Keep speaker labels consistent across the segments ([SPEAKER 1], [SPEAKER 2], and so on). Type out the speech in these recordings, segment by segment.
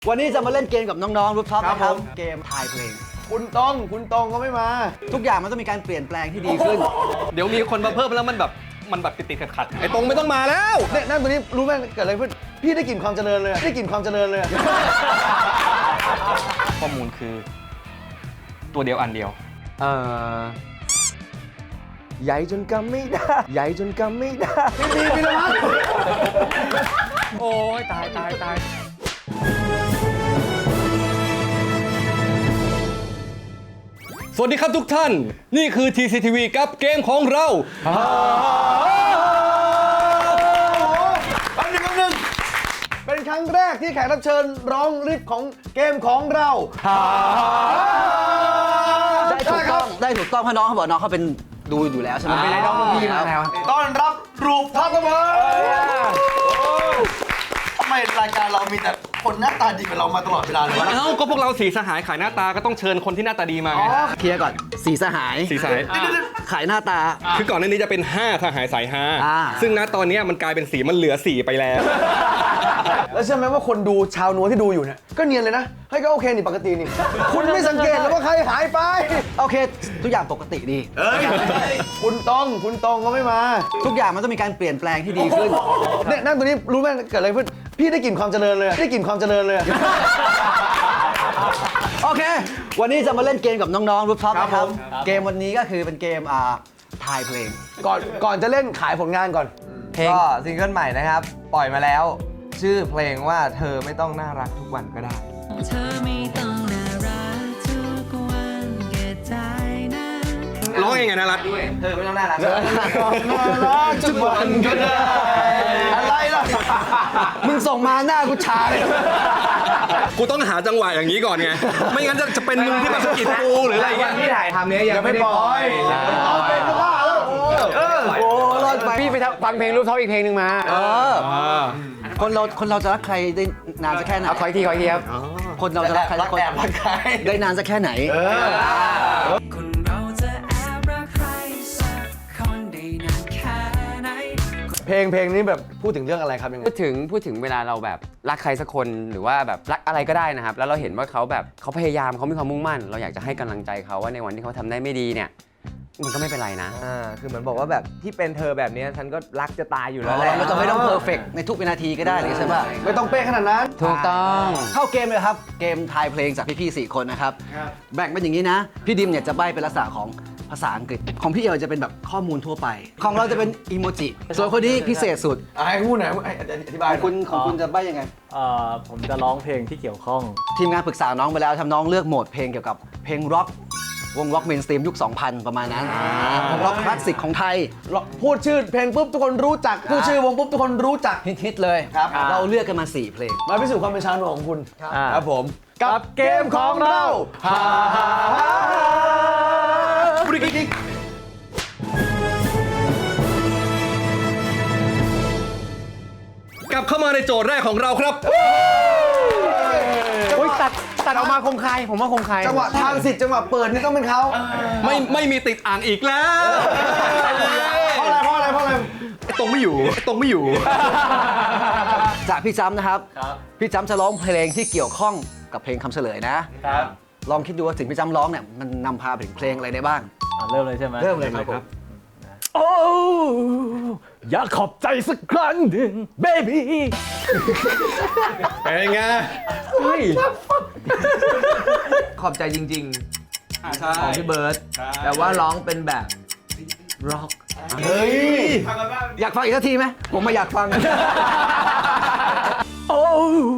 [SPEAKER 1] วันนี้จะมาเล่นเกมกับน้องๆรูปท็อปนะครับเกมทายเพลง
[SPEAKER 2] คุณตองก็ไม่มา
[SPEAKER 1] ทุกอย่างมันต้องมีการเปลี่ยนแปลงที่ดีขึ้น
[SPEAKER 3] เดี๋ยวมีคนมาเพิ่มแล้วมันแบบติดๆขัดๆไอ้ตรงไม่ต้องมาแล้ว
[SPEAKER 2] เนี่ยนั่งตัวนี้รู้ไหมเกิดอะไรขึ้นพี่ได้กลิ่นความเจริญเลยได้กลิ่นความเจริญเลย
[SPEAKER 3] ข้อมูลคือตัวเดียวอันเดียว
[SPEAKER 2] ใหญ่จนกำไม่ได้ใหญ่จนกำไม่ได้พี่พีรพัฒน์
[SPEAKER 3] โอ้ยตายสวัสดีครับทุกท่านนี่คือ TCTV กับเกมของเรา
[SPEAKER 2] แป๊บนึงเป็นครั้งแรกที่แขกรับเชิญร้องริฟของเกมของเรา
[SPEAKER 1] ได้ถูกต้องเพราะน้องเขาบอกน้องเขาเป็นดูอยู่แล้วใช่ไหม
[SPEAKER 2] เป็นไอดอลพี่มาแล้วต้อนรับรูปท็อปครับผมทำไมรายการเรามีแต่คนหน้าตาดีกับเรามาตลอดเวลาเลยวะ
[SPEAKER 3] เอ้าก็พวกเราสีสหายขายหน้าตาก็ต้องเชิญคนที่หน้าตาดีมาไง
[SPEAKER 1] เคลียร์ก่อนสีสหาย
[SPEAKER 3] สีสหาย
[SPEAKER 1] ขายหน้าตา
[SPEAKER 3] คือก่อนหน้านี้จะเป็น5สหายสายฮา
[SPEAKER 1] อ่า
[SPEAKER 3] ซึ่งณตอนนี้มันกลายเป็นสีมันเหลือ4ไปแล้ว
[SPEAKER 2] แล้วเชื่อไหมว่าคนดูชาวนัวที่ดูอยู่เนี่ยก็เนียนเลยนะเฮ้ยก็โอเคนี่ปกตินี่คุณไม่สังเกตแล้วว่าใครหายไป
[SPEAKER 1] โอเค ทุกอย่างปกติดี
[SPEAKER 2] คุณตองก็ไม่มา
[SPEAKER 1] ทุกอย่างมันต้องมีการเปลี่ยนแปลงที่ดีขึ้น
[SPEAKER 2] เนี่ยนั่งตัวนี้รู้ไหมเกิดอะไรขึ้นพี่ได้กลิ่นความเจริญเลยได้กลิ่นความเจริญเลย
[SPEAKER 1] โอเค วันนี้จะมาเล่นเกมกับน้องๆรูปท็อป
[SPEAKER 2] ครับ
[SPEAKER 1] นะครับ
[SPEAKER 2] ผม
[SPEAKER 1] เกมวันนี้ก็คือเป็นเกมทายเพลง
[SPEAKER 2] ก่อนจะเล่นขายผลงานก่อน
[SPEAKER 4] เพลงก็ซิงเกิลใหม่นะครับ ปล่อยมาแล้ว ชื่อเพลงว่าเธอไม่ต้องน่ารักทุกวันก็ได้
[SPEAKER 5] เธอไม่ต้องน่ารักทุกวันก็ได้นะ
[SPEAKER 3] ร้องยังไงนะรัฐ
[SPEAKER 4] เธอไม่ต้องน่ารัก
[SPEAKER 2] ทุกวันก็ได้อะไรล่ะ
[SPEAKER 1] มึงส่งมาหน้ากูชาเลย
[SPEAKER 3] กูต้องหาจังหวะอย่างนี้ก่อนไงไม่งั้นจะเป็นมึงที่มาสะกิดกูหรืออะไร
[SPEAKER 4] วั
[SPEAKER 3] เงี้
[SPEAKER 4] น
[SPEAKER 3] ย
[SPEAKER 4] ที่ถ่ายทำเนี้ยยังไม่ได้ปล่อย
[SPEAKER 2] เอาเป็นก็ว่าแล้ว
[SPEAKER 1] โอ้รอดไป
[SPEAKER 4] พี่ไปฟังเพลงรูปท็อปอีกเพลงหนึ่งมา
[SPEAKER 1] คนเราจะรักใครได้นานสักแค่ไหน
[SPEAKER 4] เอาขออีกทีครับ
[SPEAKER 1] คนเราจะรักใครสักคนได้นานสักแค่ไหน
[SPEAKER 5] คนเราจะแอบรักใครสักคนได้นานแค่ไหน
[SPEAKER 2] เพลงนี้แบบพูดถึงเรื่องอะไรครับยังไง
[SPEAKER 6] พูดถึงเวลาเราแบบรักใครสักคนหรือว่าแบบรักอะไรก็ได้นะครับ แล้วเราเห็นว่าเขาแบบเขาพยายามเขามีความมุ่งมั่น เราอยากจะให้กำลังใจเขาว่าในวันที่เขาทำได้ไม่ดีเนี่ยมันก็ไม่เป็นไรนะ
[SPEAKER 4] คือเหมือนบอกว่าแบบที่เป็นเธอแบบนี้ฉันก็รักจะตายอยู่แล้วแหละ
[SPEAKER 1] เราจะไม่ต้องเพอร์เฟกในทุกวินาทีก็ได้เลยใช่ปะ
[SPEAKER 2] ไม่ต้องเป๊ะขนาดนั้น
[SPEAKER 6] ถูกต้อง
[SPEAKER 1] เข้าเกมเลยครับ เกมทายเพลงจากพี่ๆ4 คนนะครับ แบ่งเป็นอย่างนี้นะ พี่ดิมเนี่ยจะใบ้เป็นลักษณะของภาษาอังกฤษ ของพี่เอ๋จะเป็นแบบข้อมูลทั่วไป ของเราจะเป็นอีโมจิ ส่วนคนนี้พิเศษสุด
[SPEAKER 2] ให้พูดหน่อยอธิบาย
[SPEAKER 1] ของคุณจะใบ้ยังไง
[SPEAKER 7] ผมจะร้องเพลงที่เกี่ยวข้อง
[SPEAKER 1] ทีมงานปรึกษาน้องไปแล้วทำน้องเลือกโหมดเพลงเกี่ยวกับเพลงร็อก วงร็อกเมนสตรีมยุค 2000 ประมาณนั้นวงร็อกคลาสสิกของไทย
[SPEAKER 2] พูดชื่อเพลงปุ๊บทุกคนรู้จักพูดชื่อวงปุ๊บทุกคนรู้จัก
[SPEAKER 1] ฮิตๆเลย
[SPEAKER 2] ครับ
[SPEAKER 1] เราเลือกกันมา 4 เพลง
[SPEAKER 2] มาพิสูจน์ความเป็นชาวหนวของคุณ
[SPEAKER 7] ครับผม
[SPEAKER 2] กับเกมของเรา
[SPEAKER 3] กลับเข้ามาในโจทย์แรกของเราครับ
[SPEAKER 4] อุ้ยตัดออกมาคมคายผมว่าคมคาย
[SPEAKER 2] จังหวะทางสิทธิ์จังหวะเปิดนี่ต้องเป็นเขา
[SPEAKER 3] ไม่มีติดอ่างอีกแล้ว
[SPEAKER 2] เพราะอะไร
[SPEAKER 3] ไอ้ตรงไม่อยู่
[SPEAKER 1] จากพี่จ้ำนะครับ พี่จ้ำจะร้องเพลงที่เกี่ยวข้องกับเพลงคำเฉลยนะ
[SPEAKER 7] ครับ
[SPEAKER 1] ลองคิดดูว่าสิ่งพี่จ้ำร้องเนี่ยมันนำพาไปถึงเพลงอะไรได้บ้าง
[SPEAKER 7] เริ่มเลยใช่ไหม
[SPEAKER 1] เริ่มเลยครับ
[SPEAKER 7] โอ้อยากขอบใจสักครั้งหนึ่ง baby
[SPEAKER 3] เป็นไง
[SPEAKER 4] ขอบใจจริง
[SPEAKER 3] ใช่
[SPEAKER 4] ๆ ของพี่เบิร์ตแต่ว่าร้องเป็นแบบร็อก
[SPEAKER 2] เฮ้ย
[SPEAKER 1] อยากฟังอีกสักทีไหมผมไม่อยากฟัง
[SPEAKER 7] โอ้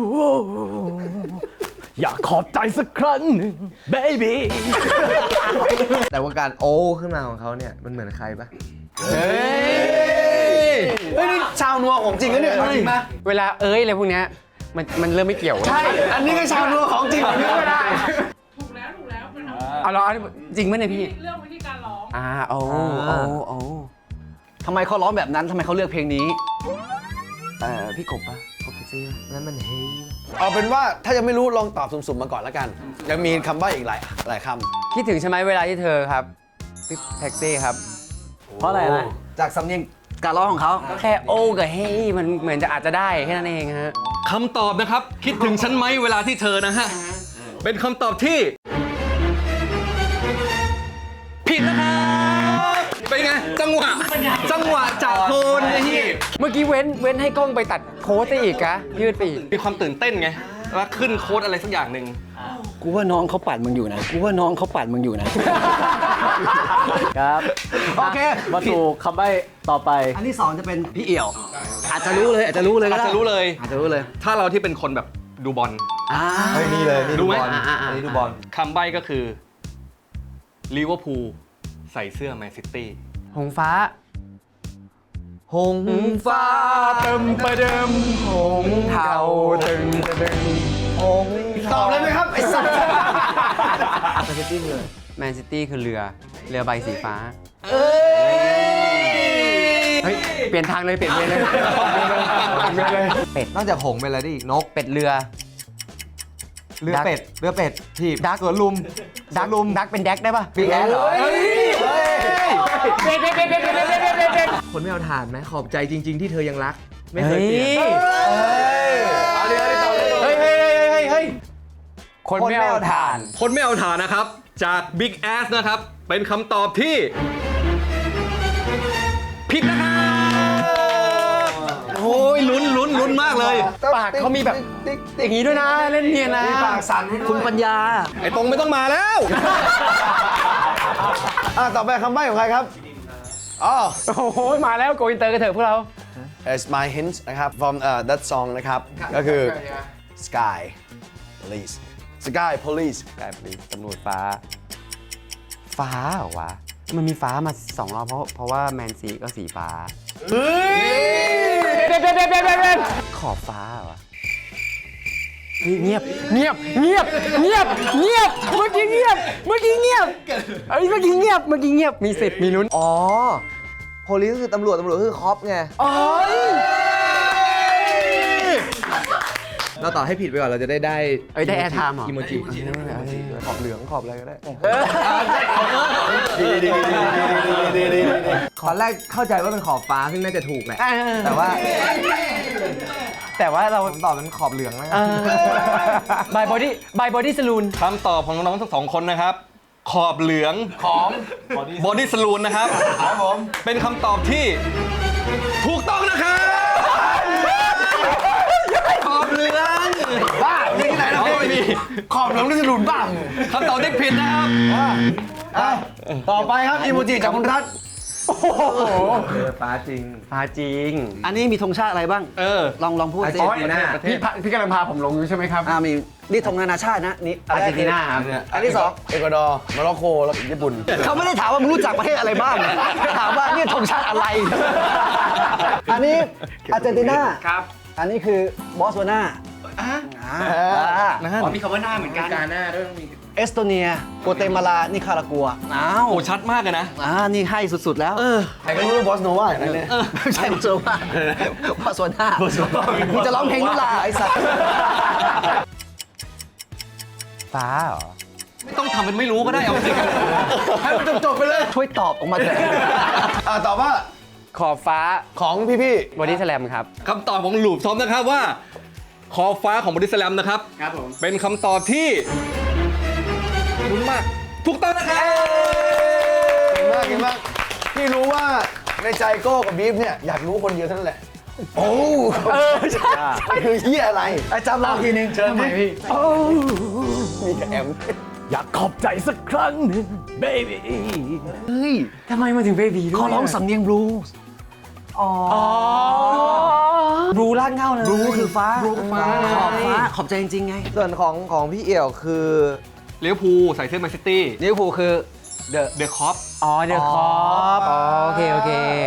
[SPEAKER 7] อยากขอบใจสักครั้งหนึ่ง baby
[SPEAKER 4] แต่ว่าการโอ้ขึ้นมาของเขาเนี่ยมันเหมือนใครปะ
[SPEAKER 2] เฮ้ยนี่ชาวนัวของจริงนะเนี่ยจริงไหม
[SPEAKER 6] เวลาอะไรพวกเนี้ยมันเริ่มไม่เกี่ยว
[SPEAKER 2] ใช่ อันนี้ก็ชาวนัวของจริงอันนี้ไม่ได้
[SPEAKER 8] ถูกแล้วมันเอา
[SPEAKER 6] เอาเหรอจริงไหมเนี่ยพี่
[SPEAKER 8] เรื่องวิธีการร้อง
[SPEAKER 6] โอ้
[SPEAKER 1] ทำไมเขาร้องแบบนั้นทำไมเขาเลือกเพลงนี้
[SPEAKER 6] พี่กบปะกบเซ็กซี่ปะ
[SPEAKER 4] นั่นมันเฮ้ย
[SPEAKER 2] เอาเป็นว่าถ้ายังไม่รู้ลองตอบสุ่มๆมาก่อนแล้วกัน ยังมีคำใบ้อีกหลายค
[SPEAKER 6] คิดถึงใช่ไหมเวลาที่เธอครับพี่แท็กซี่ครับ
[SPEAKER 7] เพราะอะไรนะ
[SPEAKER 1] จากสำเนียงการร้องของเขา
[SPEAKER 6] แค่โอ้กับเฮ้ยมันเหมือนจะอาจจะได้แค่นั้นเองฮะ
[SPEAKER 3] คำตอบนะครับ คิดถึงฉันไหมเวลาที่เธอนะฮะ เป็นคำตอบที่ ผิดนะครับเป็นไง จังหวะจากโคนไอ้ที่
[SPEAKER 6] เมื่อกี้เว้นให้กล้องไปตัดโค้ดไปอีกอะยืดไปอีก
[SPEAKER 3] มีความตื่นเต้นไงว่าขึ้นโค้ดอะไรสักอย่างหนึ่ง
[SPEAKER 1] กูว่าน้องเขาปัดมึงอยู่นะ
[SPEAKER 7] ครับ
[SPEAKER 1] โอเค
[SPEAKER 7] มาสู่คำใบ้ต่อไป
[SPEAKER 1] อันที่ 2 จะเป็นพี่เอี่ยว อาจจะรู้เลยก็ได้
[SPEAKER 3] อาจจะรู้เลย
[SPEAKER 1] อาจจะรู้เลย
[SPEAKER 3] ถ้าเราที่เป็นคนแบบดูบอล
[SPEAKER 4] เฮ้ยนี่เลยนี่
[SPEAKER 3] รู้
[SPEAKER 4] ดู
[SPEAKER 3] ไหม
[SPEAKER 4] บอลอันนี้ดูบอล
[SPEAKER 3] คำใบ้ก็คือลิเวอร์พูลใส่เสื้อแมนซิตี้
[SPEAKER 6] หงฟ้า
[SPEAKER 4] หงฟ้าเติมประเดิมหงเทาตึงประเดิมหง
[SPEAKER 2] ตอบเลยไหมครับ ไอ้สัตว์
[SPEAKER 6] แมนซิตี้คือเรือใบสีฟ้า เฮ้ย เปลี่ยนทางเลย เปลี่ยนเวรเลย เป็ด
[SPEAKER 4] นอกจากหงเป็นอะไรได้อีกนก
[SPEAKER 6] เป็ดเรือ
[SPEAKER 4] เรือเป็ดถีบ
[SPEAKER 6] ดัก
[SPEAKER 4] สวนลุม
[SPEAKER 6] ดักเป็นแดกได้ป่ะ
[SPEAKER 4] บิ๊กแอดเหรอ
[SPEAKER 6] เป็ด
[SPEAKER 4] คนไม่เอาถ่านไหมขอบใจจริง ๆ ที่เธอยังรัก ไม่
[SPEAKER 6] ไม่
[SPEAKER 4] เค
[SPEAKER 6] เค
[SPEAKER 4] ย
[SPEAKER 6] ย
[SPEAKER 4] เป
[SPEAKER 6] เป
[SPEAKER 4] ลี่
[SPEAKER 6] ลี่
[SPEAKER 4] ย
[SPEAKER 6] ย
[SPEAKER 4] น
[SPEAKER 6] น
[SPEAKER 4] เฮ้ย
[SPEAKER 6] คนไม่เอาถ่าน
[SPEAKER 3] คนไม่เอาฐานนะครับ จาก Big Ass นะครับ เป็นคำตอบที่ ผิดนะครับโอ้ยลุ้นมากเลย
[SPEAKER 6] ปากเขามีแบบอย่างนี้ด้วยนะ เล่นเนียนนะ
[SPEAKER 2] ปากสั่น
[SPEAKER 1] คุณปัญญา
[SPEAKER 3] ไอ้ตรงไม่ต้องมาแล้ว
[SPEAKER 2] ต่อไปคำใบ้ของใครครับอ๋อ
[SPEAKER 6] โอ้โห มาแล้วโกอินเตอร์กันเถอะพวกเรา
[SPEAKER 2] As my hint นะครับ from that song นะครับ ก็คือ Sky Police Sky Police
[SPEAKER 6] กลายเป็นตำรวจฟ้า ฟ้าเหรอวะ มันมีฟ้ามา2 รอบเพราะว่าแมนซีก็สีฟ้า เฮ้ยขอบฟ้าเหรอวะเฮ้ยเงียบ เมื่อกี้เงียบเมื่อกี้เงียบ มีสิทธิ์มีลุ้น
[SPEAKER 4] อ๋อโพลีก็คือตำรวจคือคอปไงเราต่อให้ผิดไปก่อนเราจะได้
[SPEAKER 6] ได้แอร์ไทม์เหรอ
[SPEAKER 4] อีโมจิขอบเหลืองขอบอะไรก็ได้ตอนแรกเข้าใจว่าเป็นขอบฟ้าซึ่งน่าจะถูกแหละแต่ว่าเราตอบเป็นขอบเหลืองแล้วกัน
[SPEAKER 6] บายบอดี้สลูน
[SPEAKER 3] คำตอบของน้องๆทั้งสองคนนะครับ ขอบเหลืองของบอดี้สลูนนะครับเป็นคำตอบที่ถูกต้องนะครับขอบเหลือง
[SPEAKER 2] บ้ามีที่ไหนเรา
[SPEAKER 3] ไม่มี
[SPEAKER 2] ขอบเหลืองนี่จะหลุนบ้าง
[SPEAKER 3] คำตอบที่ผิดนะครับ
[SPEAKER 2] ต่อไปครับอีโมจิจากคุณรัฐ
[SPEAKER 4] ฟ้าจริง
[SPEAKER 6] ฟ้าจริง
[SPEAKER 1] อันนี้มีธงชาติอะไรบ้าง ลองพูดสิ
[SPEAKER 6] พี่กำลังพาผมลงอยู่ใช่ไหมครับ
[SPEAKER 1] มีนี่ธงนานาชาตินะนี่
[SPEAKER 6] อาร์เจนตินาครับ
[SPEAKER 2] อันที่ 2 เอกวาดอร์โมร็อกโกแล้วก็ญี่ปุ่น
[SPEAKER 1] เขาไม่ได้ถามว่ามึงรู้จักประเทศอะไรบ้างถามว่านี่ธงชาติอะไร อันนี้อาร์เจนตินา
[SPEAKER 6] ครับ
[SPEAKER 1] อันนี้คือบอสวานา
[SPEAKER 6] มีคำว่าหน้าเหมือนกัน
[SPEAKER 1] เอสโตเนีย โกเตมาลา นิคารากัว อ้าว
[SPEAKER 3] โอ้ชัดมากเลยนะ
[SPEAKER 1] นี่ให้สุดๆแล้ว
[SPEAKER 2] ใครก็รู้ว่าบอสโนวาอย่างนั้นเนี่ย
[SPEAKER 1] ไม่ใช่บอสวานาบอสวานามึงจะร้องเพลงนุลาไอ้สัตว์
[SPEAKER 6] ฟ้าเหรอ
[SPEAKER 3] ไม่ต้องทำเป็นไม่รู้ก็ได้เอาสิ
[SPEAKER 2] ให้มันจบๆไปเลย
[SPEAKER 1] ช่วยตอบออกมาเถอะ
[SPEAKER 2] ตอบว่า
[SPEAKER 6] ขอบฟ้า
[SPEAKER 2] ของพี่
[SPEAKER 6] บอดี้สแลมครับ
[SPEAKER 3] คำตอบของหลูบทอมนะครับว่า ขอบฟ้าของบอดี้สแลมนะครับ
[SPEAKER 6] ครับผม
[SPEAKER 3] เป็นคำตอบที่ลุ้นมาก ถูกต้องนะครับ
[SPEAKER 2] เก่งมากพี่รู้ว่าในใจโก้กับบีฟเนี่ยอยากรู้คนเดียวเท่านั้นแหละ โอ้ใช่คือเฮียอะไรไอ้จำเราทีนึงเชิญพี่มีกับแอม
[SPEAKER 7] อยากขอบใจสักครั้งหนึ่ง baby
[SPEAKER 1] เฮ้ย
[SPEAKER 6] ทำไมมาถึงเบบีด้วย
[SPEAKER 1] เขาร้องสำเนียงบลูส์
[SPEAKER 6] บลูลากเง่าเลย
[SPEAKER 1] บลูคือฟ้า ขอบฟ้า ขอบใจจริงๆไง
[SPEAKER 4] ส่วนของพี่เอี่ยวคือ
[SPEAKER 3] ลิเวอร์พูลใส่เสื้อแมนซิตี้
[SPEAKER 1] ลิเวอร์พูลคือ
[SPEAKER 3] เดอะคอป
[SPEAKER 6] อ๋อ เดี๋ยวคอปอ๋อ โอเค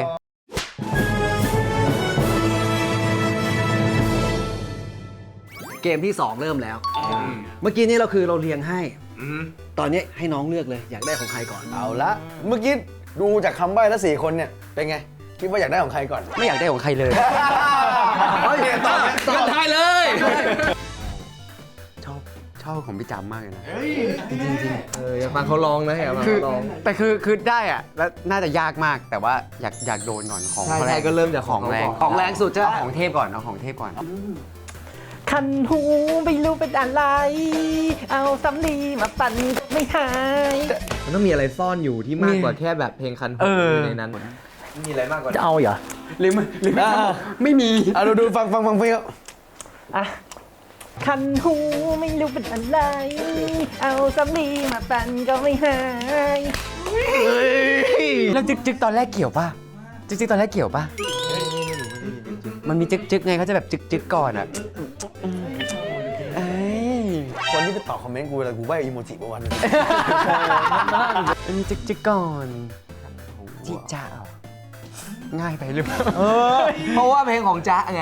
[SPEAKER 1] เกมที่ 2 เริ่มแล้ว เมื่อกี้นี้เราเรียงให้ ตอนนี้ให้น้องเลือกเลย อยากได้ของใครก่อน
[SPEAKER 2] เอาละเมื่อกี้ดูจากคำใบ้แล้ว4 คนเนี่ยเป็นไง คิดว่าอยากได้ของใครก่อน
[SPEAKER 6] ไม่อยากได้ของใครเลย
[SPEAKER 2] เฮ้ยตอบ
[SPEAKER 3] ตอบได้เลย
[SPEAKER 6] ชชอบของพี่จำมากเลยนะ
[SPEAKER 4] อยากฟังเขาร้องนะอยากฟัง
[SPEAKER 6] คือ
[SPEAKER 4] เขาร้อง
[SPEAKER 6] แต่คือได้อะแล้วน่าจะยากมากแต่ว่าอยากโดนก่อนของ
[SPEAKER 4] ใช่
[SPEAKER 6] แร
[SPEAKER 4] ใช่
[SPEAKER 6] ง
[SPEAKER 4] ก็เริ่มจากของ
[SPEAKER 6] แรง
[SPEAKER 1] ของแรงสุดใช่ไหม
[SPEAKER 6] เอาของเทพก่อนเอาของเทพก่อน
[SPEAKER 7] คันหูไม่รู้เป็นอะไร เอาสำลีมาปั่นก็ไม่หาย
[SPEAKER 4] มันต้องมีอะไรซ่อนอยู่ที่มากกว่าแค่แบบเพลงคันหูอยู่ในนั้น มีอะไรมากกว่า
[SPEAKER 7] จะเอาเหรอ
[SPEAKER 6] หรือไม่มี
[SPEAKER 2] อ่ะดูฟังเพลง
[SPEAKER 7] อ่ะคันหูไม่รู้เป็นอะไร เอาสำลีมาปั่นก็ไม่หาย
[SPEAKER 6] แล้วจึกตอนแรกเกี่ยวป่ะจึกตอนแรกเกี่ยวป่ะมันมีจึกไงเขาจะแบบจึกก่อนอ่ะเอ้ย
[SPEAKER 2] คนที่ไปตอบคอมเมนต์กูอะไรกูใบ้อีโมจิประวันนึง
[SPEAKER 6] มันมีจึกก่อนจิจ้าเหรอง่ายไปหรือเปล่า
[SPEAKER 4] เพราะว่าเพลงของจ๊ะไง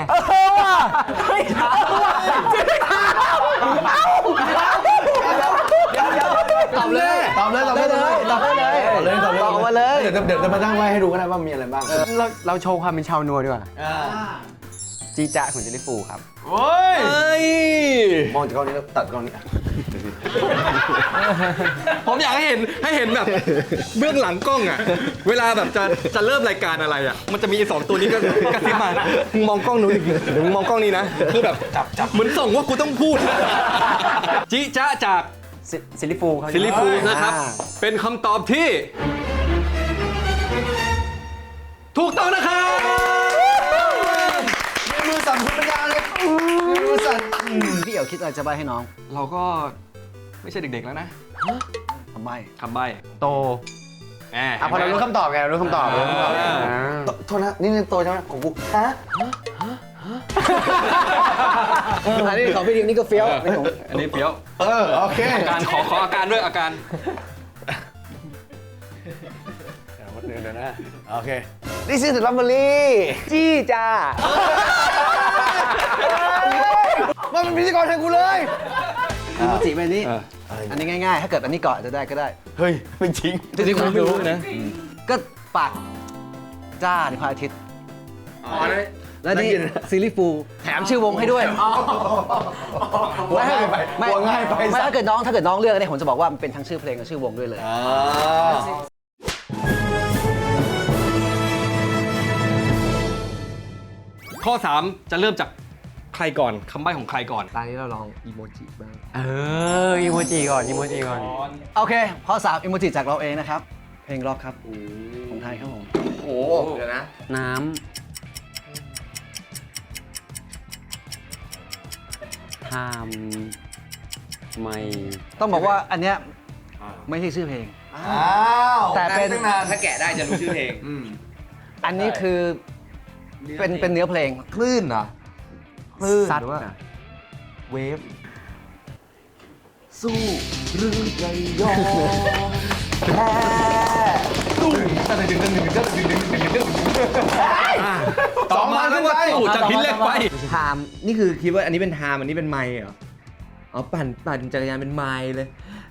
[SPEAKER 1] ตอบเลย
[SPEAKER 2] ตอบเลย
[SPEAKER 1] ตอบได้เลยตอบมาเลย
[SPEAKER 2] เดี๋ยวมาตั้งไว้ให้ดูก็ได้ว่ามีอะไรบ้าง
[SPEAKER 6] เราโชว์ความเป็นชาวนัวดีกว่าจีจ้าของเจลลี่ฟูครับ
[SPEAKER 3] เฮ้ย
[SPEAKER 2] มองจากกล้องนี้แล้วตัดกล้องนี้
[SPEAKER 3] ผมอยากให้เห็นแบบเบื้องหลังกล้องอ่ะ เวลาแบบจะเริ่มรายการอะไรอ่ะ มันจะมีสองตัวนี้ก็กระซิบมามึงมองกล้องนู้นอีกเดี๋ยวมึงมองกล้องนี้นะ คือแบบจับเหมือนส่งว่ากูต้องพูด จิจ๊ะจาก
[SPEAKER 6] ซิลลี่ฟูเขา
[SPEAKER 3] ซิลลี่ฟูดนะครับ เป็นคำตอบที่ ถูกต้องนะครับ
[SPEAKER 2] มือสั่นคุณปัญญาเลยมือสั่น
[SPEAKER 1] พี่เอ๋คิดอะไรจะใบให้น้อง
[SPEAKER 3] เราก็ไม่ใช่เด็กๆแล้วนะ
[SPEAKER 1] ทำไม
[SPEAKER 3] คำใบ้
[SPEAKER 6] โต
[SPEAKER 3] แหม
[SPEAKER 6] พอเรารู้คำตอบไงเรารู้คำตอบ
[SPEAKER 2] โทษนะนี่โตใช่ไหมของกูฮะ
[SPEAKER 1] อันนี้ของพี่ดิมนี่ก็เฟี้ยวนี่ของ
[SPEAKER 3] อันนี้เฟี้ยว
[SPEAKER 2] โอเค
[SPEAKER 3] อาการขออาการด้วยอาการ
[SPEAKER 2] เดี๋ยวนะโอเค This is the Lumberly
[SPEAKER 4] จี้จ้า
[SPEAKER 2] มันเป็นพิธีกรแทนกูเลย
[SPEAKER 1] อีโมจิแบบนี้ อันนี้ง่ายๆ ถ้าเกิดอันนี้ก่อนจะได้ก็ได้
[SPEAKER 2] เฮ้ยเป็นจริง
[SPEAKER 3] จริงๆผมไม่รู้นะ
[SPEAKER 1] ก็ปากจ้าในพระอาทิตย์และนี่ซีรีส์ฟูลแถมชื่อวงให้ด้วย
[SPEAKER 2] ง่ายไป
[SPEAKER 1] ไม่
[SPEAKER 2] ง่ายไป
[SPEAKER 1] ไม่ถ้าเกิดน้องเลือกเนี่ยผมจะบอกว่ามันเป็นทั้งชื่อเพลงกับชื่อวงด้วยเลย
[SPEAKER 3] ข้อ 3 จะเริ่มจากใครก่อนคำใบ้ของใครก่อน
[SPEAKER 4] ตอนนี้เราลองอีโมจิบ้าง
[SPEAKER 6] อีโมจิก่อน
[SPEAKER 1] โอเคข้อ3อีโมจิจากเราเองนะครับ เพลงร็อกครับของไทยครับผม
[SPEAKER 4] โอ้เดี๋ยวนะ
[SPEAKER 6] น้ำทำไม่
[SPEAKER 1] ต้องบอกว่าอันเนี้ยไม่ใช่ชื่อเพลง
[SPEAKER 2] อ้าว
[SPEAKER 1] แต่เป็น
[SPEAKER 4] ตั้งนานถ้าแกะได้จะรู้ชื่อเพลง
[SPEAKER 1] อันนี้คือเป็นเนื้อเพลง
[SPEAKER 4] คลื่นเหรอ คลื่น
[SPEAKER 6] ซัด
[SPEAKER 4] หรือว่า
[SPEAKER 6] น่ะ
[SPEAKER 4] เวฟ สู้หรือจะยอมแพ้
[SPEAKER 3] ต่อมาเรียกว่าสู้จากหินเหล็กไฟ
[SPEAKER 4] ไทม์นี่คือคิดว่าอันนี้เป็นไทม์อันนี้เป็นไมค์เหรอ อ๋อ ปั่นจักรยานเป็นไมค์เลย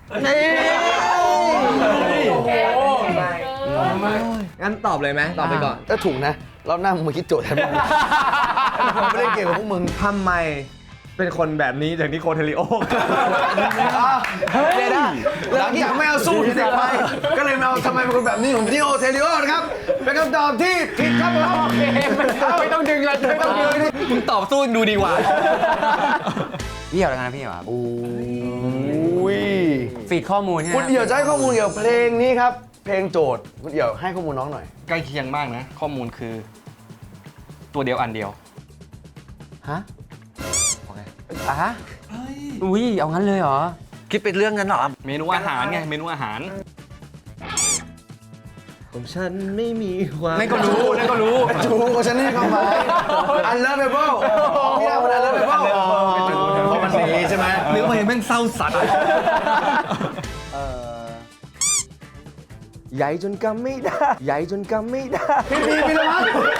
[SPEAKER 4] งั้นตอบเลยไหมตอบไปก่อน
[SPEAKER 2] ถ้าถูกนะรอบหน้ามึงมาคิดโจทย์แทนมึงผมไม่ได้เกี่ยวกับพวกมึง
[SPEAKER 4] ทำไมเป็นคนแบบนี้จากนิโคเทลิโอ
[SPEAKER 2] เดี๋ยวนะหลังจากไม่เอาสู้ที่เด็กไปก็เลยมาเอาทำไมเป็นคนแบบนี้ของที่โอเทลิโอนะครับ เป็นคำตอบที่ผิดครับผม
[SPEAKER 6] ไม่ต้องดึงเลยไม่ต้องดึง
[SPEAKER 3] มึงตอบสู้ดูดีกว่า
[SPEAKER 6] พี่เหี่ยวแล้วกันนะพี่เหี่ยวครับ
[SPEAKER 2] อุ้ย
[SPEAKER 6] ฟีดข้อมูลใช่ไหม
[SPEAKER 2] คุณเดี่ยวจะให้ข้อมูลเกี่ยวกับเพลงนี้ครับ เพลงโจทย์คุณเดี่ยวให้ข้อมูลน้องหน่อย
[SPEAKER 3] ใกล้เคียงมากนะ ข้อมูลคือ ตัวเดียวอันเดียว
[SPEAKER 6] ฮะฮะอุ้ยเอางั้นเลยเหรอ
[SPEAKER 1] คิดเป็นเรื่องนั้นเหรอ
[SPEAKER 3] เมนูอาหารไง เมนูอาหาร
[SPEAKER 4] ของฉันไม่มีความ
[SPEAKER 6] ไม่ก็รู้นั่นก็รู้
[SPEAKER 2] จูของฉันนี่ความหมายอันเลิฟเบเบิลพี่ดาวมันอันเลิฟเบเบิลเพราะมันดีใช่ไหม
[SPEAKER 3] หรือว่าแม่งเศร้าสัตว์
[SPEAKER 4] ใหญ่จนกำไม่ได้ ใหญ่จนกำไม่ได้
[SPEAKER 2] พี่ละมั้ง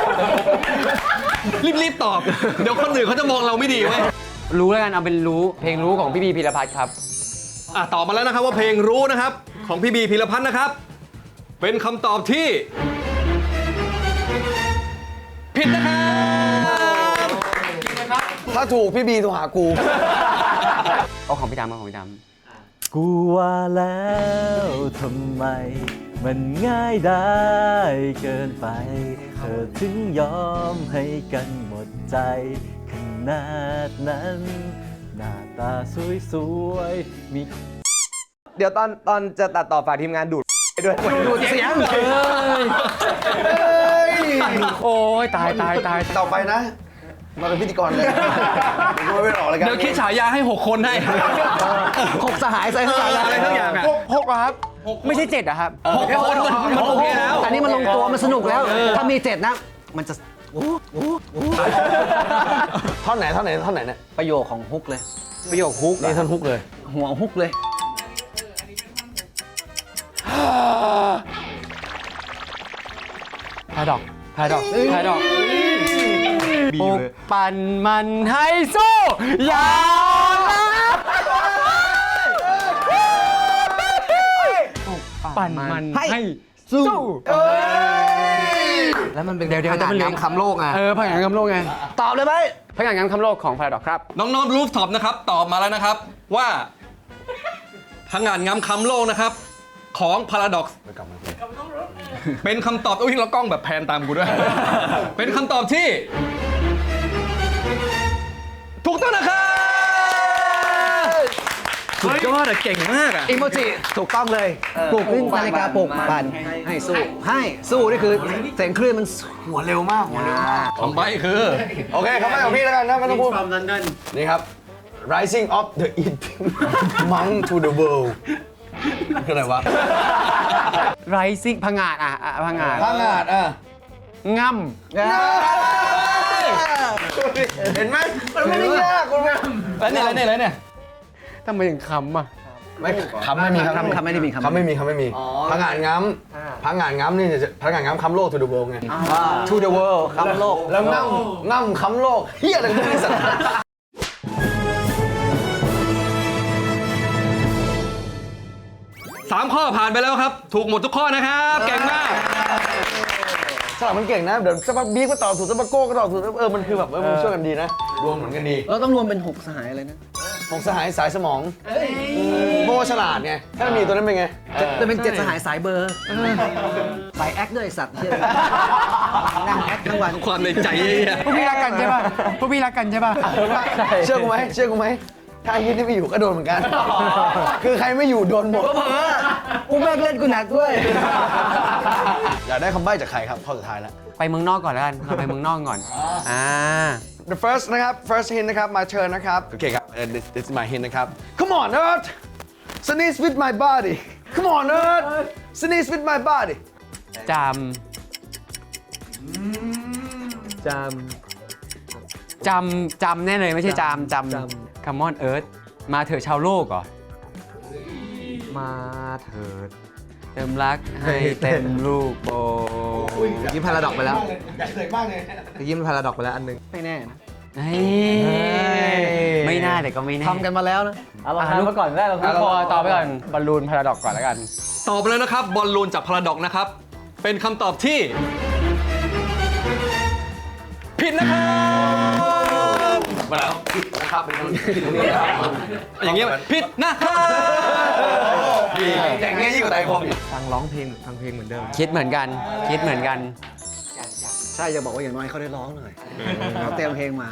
[SPEAKER 3] รีบๆตอบ เดี๋ยวคนอื่นเขาจะมองเราไม่ดีเว้ย
[SPEAKER 6] รู้แล้วกันเอาเป็นรู้เพลงรู้ของพี่บีพีรพัฒน์ครับ
[SPEAKER 3] ตอบมาแล้วนะครับว่าเพลงรู้นะครับ ของพี่บีพีรพัฒน์นะครับ เป็นคำตอบที่ ผิดนะครับ
[SPEAKER 2] ถ้าถูกพี่บีโทรหากู
[SPEAKER 6] เอาของพี่ดำเอาของพี่ด
[SPEAKER 4] กูว่าแล้วทำไม มันง่ายได้เกินไป เธอถึงยอมให้กันหมดใจขนาดนั้น หน้าตาสวยๆมี
[SPEAKER 9] เดี๋ยวตอนจะตัดต่อฝากทีมงานดูดไปด้วย
[SPEAKER 1] ดูดเสียง
[SPEAKER 6] ำโอ้ยตาย
[SPEAKER 2] ต่อไปนะ มาเป็นพิธีกรเลยเดี๋ยวกูไม่ออกรายการ
[SPEAKER 3] เดี๋ยวคิดฉายาให้ 6 คนให้
[SPEAKER 1] 6 สหายใส่ทั้งหลาย
[SPEAKER 3] อะไรทั้งอย่างอ่ะ
[SPEAKER 6] หกเหรอครับ ไม่ใช่7เหรอครับ
[SPEAKER 3] 6 คนมันโอเคแล้ว
[SPEAKER 1] อันนี้มันลงตัวมันสนุกแล้ว ถ้ามี 7 นะ มันจะ
[SPEAKER 2] ท่อนไหนเนี่ย
[SPEAKER 1] ประโยคของฮุกเลย
[SPEAKER 6] ประโยคฮุก
[SPEAKER 2] นี่ท่อนฮุกเลย
[SPEAKER 1] หัวฮุกเลย
[SPEAKER 6] พาดอกปลุกปั่นมันให้สู้อย่าปั่นมันให้สู้
[SPEAKER 1] แล้วมันเป็น
[SPEAKER 6] เดี๋ยว
[SPEAKER 1] ผนังน้ำคำโลกไง
[SPEAKER 6] ผนังคำโลกไง
[SPEAKER 1] ตอบเลยไหม
[SPEAKER 6] ผนังคำโลกของพาราดอกครับ
[SPEAKER 3] น้องๆรูฟท็อปนะครับตอบมาแล้วนะครับว่าพังงานงามคำโลกนะครับของ Paradox เป็นคำตอบอุ้ยเรากล้องแบบแพนตามกูด้วย เป็นคำตอบที่ ถูกต้องนะครับสุดยอดอะเก่งมากอะ
[SPEAKER 1] อีโมจิถูกต้องเลยปลุกนาฬิกาปลุกปั่นให้สู้นี่คือเสียงคลื่นมัน
[SPEAKER 2] หัวเร็วมาก
[SPEAKER 3] คำใบ้คือ
[SPEAKER 2] โอเคครับไม่ของพี่แล้วกันนะไม่ต้องพูดนี่ครับ Rising of the Eating Monk to the World คืออะไรวะ
[SPEAKER 6] Rising พังงาดพังงาด
[SPEAKER 2] พังงาด
[SPEAKER 6] ง่
[SPEAKER 2] เห็นไหมมันไม่ได้ยากคุณแม่
[SPEAKER 3] แล้วเนี่ย
[SPEAKER 6] ทำไมถึงคำอ่ะ
[SPEAKER 2] ไม่คำไม่มี
[SPEAKER 1] คำไม่ได้มี
[SPEAKER 2] คำไม่มีพังงาดง้ำพังงาดง้ำนี่จะพังงาดง้ำคำโลก to the world ไง
[SPEAKER 1] To the world คำโลก
[SPEAKER 2] แล้วง่ำคำโลกเฮียอะไรกันไม่สัตว์
[SPEAKER 3] 3 ข้อผ่านไปแล้วครับ ถูกหมดทุกข้อนะครับ เก่งมาก
[SPEAKER 2] สลับมันเก่งนะ เดี๋ยวสักพักบีก็ตอบถูกสักพักโก้ก็ตอบถูกมันคือแบบมันช่วยกันดีนะรวมเหมือนกันดี
[SPEAKER 1] เราต้องรวมเป็น 6 สหายเลยนะ
[SPEAKER 2] ของสหายสายสมองโม่ฉลาดไงถ้ามีตัวนั้นเป็นไง
[SPEAKER 1] จะเป็น 7 สหายสายเบอร์สายแอคด้วยไอ้สัตว์เหี้ยนั่งแอคทั้งวัน
[SPEAKER 3] ความในใจเยี่ย
[SPEAKER 6] พวกพี่รักกันใช่ป่ะ
[SPEAKER 2] เชื่อกูไหมถ้าไอ้ยี่นี่ไม่อยู่ก็โดนเหมือนกัน คือใครไม่อยู่โดนหมด
[SPEAKER 1] กูแม่งเล่นกูหนักด้วย
[SPEAKER 2] อยากได้คำใบ้จากใครครับข้อสุดท้ายแล้ว
[SPEAKER 6] ไปเมืองนอกก่อนแล้วกัน เราไปเมืองนอกก่อน
[SPEAKER 2] The first นะครับ first hint นะครับ my turn นะครับ โอเคครับ this is my hint นะครับ Come on Earth sneeze with my body Come on Earth sneeze with my body
[SPEAKER 6] จำแน่เลยไม่ใช่จำ Come on Earth มาเถอะชาวโลกเหรอ มาเถิดเติมรักให้เต็มลูกโบ
[SPEAKER 1] ยิ้มพาราดอกไปแล้ว
[SPEAKER 2] อยากเลยมากเลย
[SPEAKER 1] ยิ้มพาราดอกไปแล้วอันนึงไม่แน่นะ
[SPEAKER 6] ไม่น่าแต่ก็ไม่แน่
[SPEAKER 1] ทำกันมาแล้วนะ
[SPEAKER 4] เอาลองทำมาก่อนได้เรา
[SPEAKER 6] ลูกคอต่อไปก่อนบอลลูนพาราดอกก่อนแล้วกัน
[SPEAKER 3] ตอบไปแล้วนะครับ บอลลูนจาก Paradox นะครับ เป็นคำตอบที่ ผิดนะครับ
[SPEAKER 2] มาแล้วผิดนะครับเป็นคนผิดตรงนี้
[SPEAKER 3] อย่างเงี้ยผิดนะครับ
[SPEAKER 2] อย่างเงี้ยยิ่งกว่าไตคมอีก
[SPEAKER 4] ฟังร้องเพลงฟังเพลงเหมือนเดิม
[SPEAKER 6] คิดเหมือนกัน
[SPEAKER 1] ใช่จะบอกว่าอย่างน้อยเขาได้ร้องหน่อยเขาเตรียมเพลงมา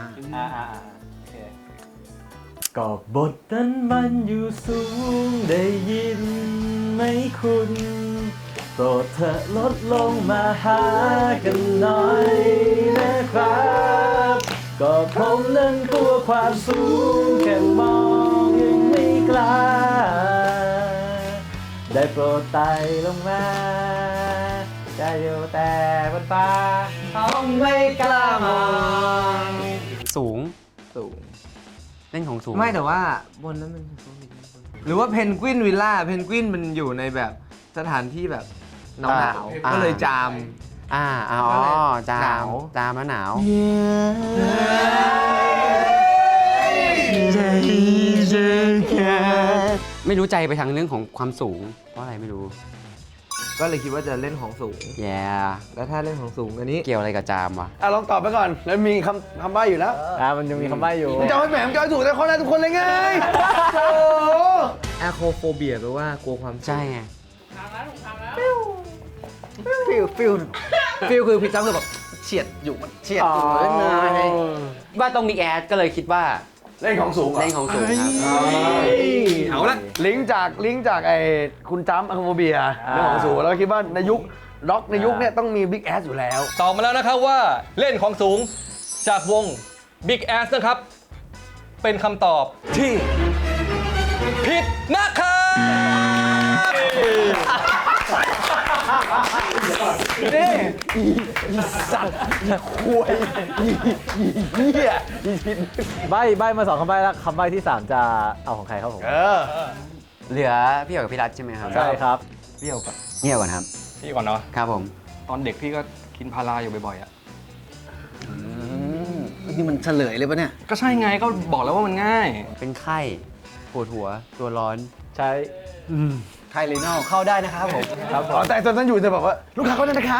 [SPEAKER 4] ก็บทนั้นมันอยู่สูงได้ยินไหมคุณโปรดเธอลดลงมาหากันหน่อยนะครับก็ผมนั้นกลัวความสูงแค่มองยังไม่กล้าได้โปรดไต่ลงมาจะอยู่แต่บนฟ้าต้องไม่กล้ามอง
[SPEAKER 6] สูง
[SPEAKER 4] สูง
[SPEAKER 6] เล่นของสูง
[SPEAKER 9] ไม่แต่ว่าบนนั้นมันหรือว่าเพนกวินวิลล่าเพนกวินมันอยู่ในแบบสถานที่แบบหนาวๆก็เลยจาม
[SPEAKER 6] จาม
[SPEAKER 9] หนาว
[SPEAKER 6] แล้วหนาว ไม่รู้ใจไปทางเรื่องของความสูง เพราะอะไรไม่รู้
[SPEAKER 9] ก็เลยคิดว่าจะเล่นของสูง
[SPEAKER 6] แย่
[SPEAKER 9] แล้วถ้าเล่นของสูงอันนี้
[SPEAKER 6] เกี่ยวอะไรกับจามวะ
[SPEAKER 2] ลองตอบไปก่อน แล้วมีคำใบ้อยู่แล้ว
[SPEAKER 4] มันยังมีคำใบ้อยู่
[SPEAKER 2] มึงจะเอาให้แหมมจะเอาให้ถูกแต่คนแรกทุกคนเลยไงโอ้
[SPEAKER 9] แอโคโฟเบียแปลว่ากลัวความสูง
[SPEAKER 6] ใช่ไง
[SPEAKER 8] ทำแล้วถูกทำแล้ว
[SPEAKER 1] ฟิลคือพี่จ้ำคือแบบเฉียดอยู่มันเฉียดอยู่เล่นไง
[SPEAKER 6] ว่าต้องมีแอดก็เลยคิดว่า
[SPEAKER 2] เล่นของสูงเหรอ
[SPEAKER 6] เล่นของสูงครับ
[SPEAKER 3] เอาละ
[SPEAKER 2] ลิงก์จากไอ้คุณจ้ำอะคาโมเบียเรื่องของสูงแล้วคิดว่าในยุคร็อกในยุคเนี่ยต้องมีบิ๊กแอสอยู่แล้ว
[SPEAKER 3] ตอบมาแล้วนะครับว่าเล่นของสูงจากวง Big Ass นะครับ เป็นคำตอบที่ผิดนะครับ
[SPEAKER 2] นี่อีสัตว์อีควยอีเหี้ยอีชิน
[SPEAKER 4] ใบ้มา2คำใบ้แล้วคำใบ้ที่ 3 จะเอาของใครครับผม
[SPEAKER 6] เหลือพี่เอ๋กับพี่รัฐใช่ไหมครับ
[SPEAKER 4] ใช่ครับ
[SPEAKER 3] พี่เอาก่อน
[SPEAKER 6] เงียบก่อนครับ
[SPEAKER 3] พี่ก่อนเนาะ
[SPEAKER 6] ครับผม
[SPEAKER 3] ตอนเด็กพี่ก็กินพาราอยู่บ่อยๆอ่ะ
[SPEAKER 1] นี่มันเฉลยเลยปะเนี่ย
[SPEAKER 3] ก็ใช่ไงก็บอกแล้วว่ามันง่าย
[SPEAKER 6] เป็นไข้ปวดหัวตัวร้อน
[SPEAKER 4] ใช้
[SPEAKER 1] ไทยลีนอลเข้าได้นะครับผม
[SPEAKER 2] ครับแต่ตอนนั้นอยู่จะบอกว่าลูกค้าเขาเนี่ยนะครับ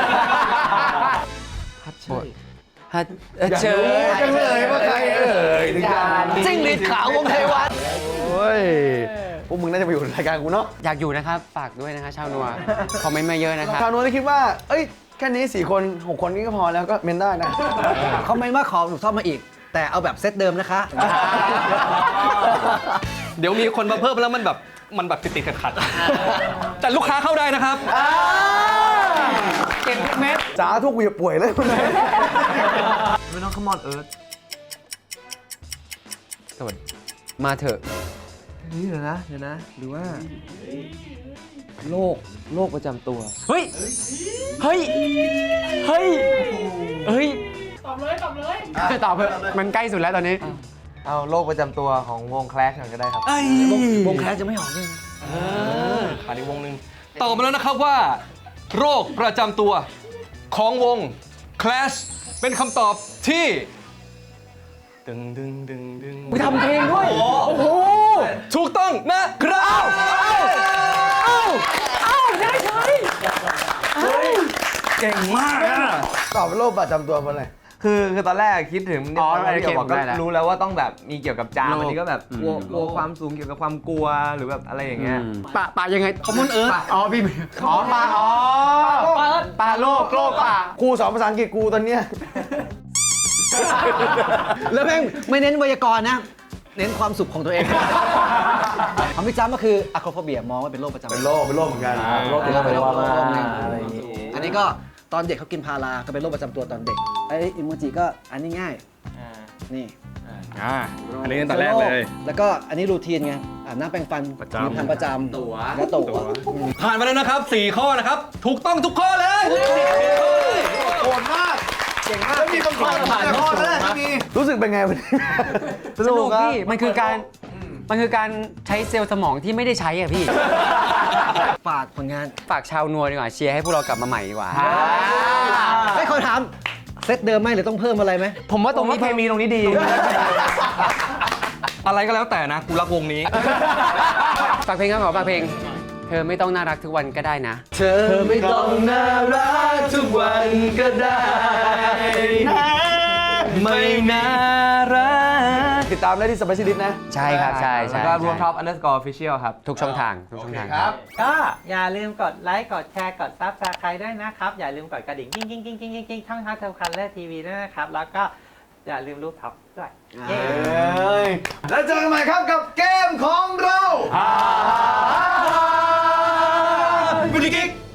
[SPEAKER 6] ฮัทเชย
[SPEAKER 2] จังเลยว่าใครถึงการ
[SPEAKER 1] จิ้งหรีดขาววงเทวัน
[SPEAKER 2] โอ้ยพวกมึงน่าจะไปอยู่ในรายการกูเนาะ
[SPEAKER 6] อยากอยู่นะครับ ฝากด้วยนะคะชาวนัว คอมเมนต์มาเยอะนะครับ
[SPEAKER 2] ชาวโน้นที่คิดว่าเอ้ยแค่นี้4 คน 6 คนนี้ก็พอแล้วก็เมนได้นะ
[SPEAKER 1] คอมเมนต์ว่าขอหนูซ่อมมาอีก แต่เอาแบบเซตเดิมนะคะ
[SPEAKER 3] เดี๋ยวมีคนมาเพิ่มแล้วมันแบบติดๆขัดๆแต่ลูกค้าเข้าได้นะครับ
[SPEAKER 2] เก่งเม็ดสาทุกอย่าป่วยเลยคุณนาย
[SPEAKER 9] ไม่ต้องขมอนเอิร์ธ
[SPEAKER 6] สวัสดีมาเถอะ
[SPEAKER 9] นี่เดี๋ยวนะหรือว่าโรคประจำตัว
[SPEAKER 6] เฮ้ย เฮ้ย เฮ้ย เฮ้ย
[SPEAKER 8] ตอบเลยตอบเลย
[SPEAKER 6] ตอบเถอะมันใกล้สุดแล้วตอนนี้
[SPEAKER 9] เอาโรคประจำตัวของวงแคลชกันก็ได้ครับ
[SPEAKER 1] วงแคสจะไม่ออกเลย
[SPEAKER 3] ขาดอีกวงหนึ่งตอบมาแล้วนะครับว่า โรคประจำตัวของวง Clash เป็นคำตอบที่ดึงทำเพลงด้วย โอ้โห ถูกต้องนะครับ
[SPEAKER 2] เก่งมากอะตอบเป็นโรคประจำตัวเพราะอะไร
[SPEAKER 9] คือตอนแรกคิดถึง
[SPEAKER 6] อ๋อ
[SPEAKER 9] ที่บอกก็
[SPEAKER 6] ได้แล้ว
[SPEAKER 9] รู้แล้วว่าต้องแบบมีเกี่ยวกับจาม
[SPEAKER 6] โรค
[SPEAKER 9] อันนี้ก็แบบกลัว
[SPEAKER 6] อืม
[SPEAKER 9] กลัวความสูงเกี่ยวกับความกลัวหรือแบบอะไรอย่างเงี้ย
[SPEAKER 6] ปะยังไงคอมมอนเอิร์ธอ๋อพี่อ๋อปลาอ๋อปลาโลกปลา
[SPEAKER 2] กูสอนภาษาอังกฤษกูตอนเนี้ย
[SPEAKER 1] แล้วแม่งไม่เน้นไวยากรณ์นะ เน้นความสุขของตัวเองของพี่จ้ำก็คืออะโครโฟเบียมองว่าเป็นโรคประจำตัว
[SPEAKER 2] เป็นโรคเหมือนกันโรค
[SPEAKER 1] เป็นโรค
[SPEAKER 2] เป็นโรค
[SPEAKER 1] หนึ่งอันนี้ก็ตอนเด็กเขากินพาราก็เป็นโรคประจำตัวตอนเด็กไอ้อิโมจิก็อันนี้ง่ายนี่
[SPEAKER 3] อันนี้ตั้งแต่แรกเลย
[SPEAKER 1] แล้วก็อันนี้รูทีนไงอาบน้ำแปรงฟัน
[SPEAKER 3] ประจำ
[SPEAKER 1] ทำประจำแล้วตั๋ว
[SPEAKER 3] ผ่านมาแล้วนะครับ 4 ข้อนะครับ ถูกต้องทุกข้อเลย
[SPEAKER 2] โหดมากเก่งมากแล้วมีบางคนผ่านข้อแล้วแหละมีรู้สึกเป็นไงวันนี้
[SPEAKER 6] สนุกพี่มันคือการใช้เซลล์สมองที่ไม่ได้ใช้อ่ะพี่
[SPEAKER 1] ฝากผลงาน
[SPEAKER 6] ฝากชาวนัวดีกว่าเชียร์ให้พวกเรากลับมาใหม่ดีกว่า
[SPEAKER 1] ให้คนถามเซตเดิมไหมหรือต้องเพิ่มอะไรไหม
[SPEAKER 6] ผมว่าตรงนี้เคมีตรงนี้ดี
[SPEAKER 3] อะไรก็แล้วแต่นะ กูรักวงนี้
[SPEAKER 6] ฝากเพลงครับขอฝากเพลง เธอไม่ต้องน่ารักทุกวันก็ได้นะ
[SPEAKER 1] เธอไม่ต้องน่ารักทุกวันก็ได้นะ
[SPEAKER 3] ไม่น่ารัก
[SPEAKER 2] ติดตามได้ที่สไปซี่ดิสนะ
[SPEAKER 6] ใช่ครับใช่
[SPEAKER 9] แล้ว
[SPEAKER 6] ใช่
[SPEAKER 9] ก็รวมท็อปunderscore official ครับ
[SPEAKER 6] ทุกช่องทางครับ
[SPEAKER 7] ก็อย่าลืมกดไลค์ กดแชร์ กดซับสไครต์ด้วยนะครับ อย่าลืมกดกระดิ่งกิ้งกิ้งกิ้งกิ้งกิ้งช่องทางเทลคันและทีวีด้วยนะครับ แล้วก็อย่าลืมรูปท็อปด้วย เย้
[SPEAKER 2] แล้วเจอกันใหม่ครับกับเกมของเรา
[SPEAKER 3] บุญกิ๊ก